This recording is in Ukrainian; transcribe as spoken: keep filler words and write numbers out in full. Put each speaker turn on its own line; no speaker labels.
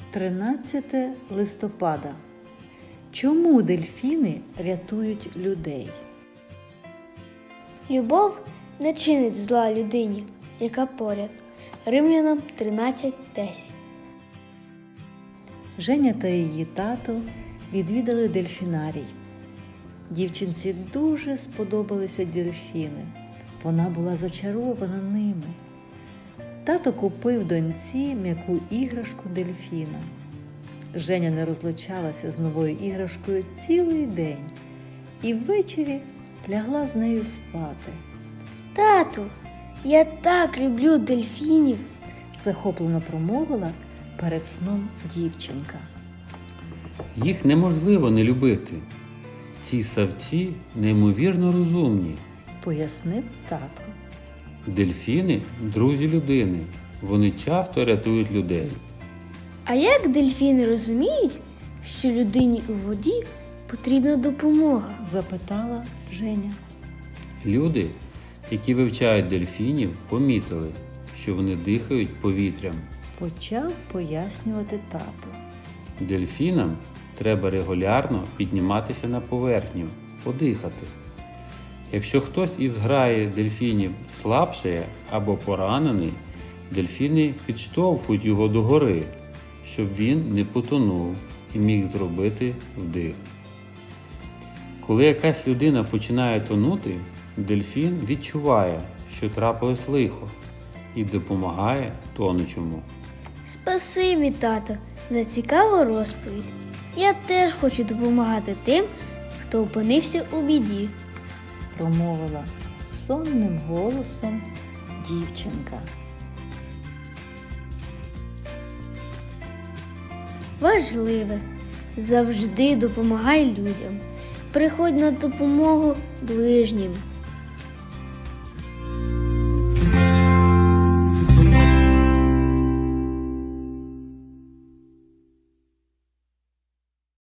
тринадцяте листопада. Чому дельфіни рятують людей?
Любов не чинить зла людині, яка поряд. Римлянам тринадцять десять.
Женя та її тато відвідали дельфінарій. Дівчинці дуже сподобалися дельфіни. Вона була зачарована ними. Тато купив доньці м'яку іграшку дельфіна. Женя не розлучалася з новою іграшкою цілий день і ввечері лягла з нею спати.
Тату, я так люблю дельфінів.
Захоплено промовила перед сном дівчинка.
Їх неможливо не любити. Ці савці неймовірно розумні.
Пояснив тато.
Дельфіни – друзі людини. Вони часто рятують людей.
А як дельфіни розуміють, що людині у воді потрібна допомога?
Запитала Женя.
Люди, які вивчають дельфінів, помітили, що вони дихають повітрям.
Почав пояснювати тато.
Дельфінам треба регулярно підніматися на поверхню, подихати. Якщо хтось із зграї дельфінів слабшає або поранений, дельфіни підштовхують його догори, щоб він не потонув і міг зробити вдих. Коли якась людина починає тонути, дельфін відчуває, що трапилось лихо, і допомагає тонучому.
Спасибі, тато, за цікаву розповідь. Я теж хочу допомагати тим, хто опинився у біді.
Промовила сонним голосом дівчинка.
Важливе. Завжди допомагай людям. Приходь на допомогу ближнім.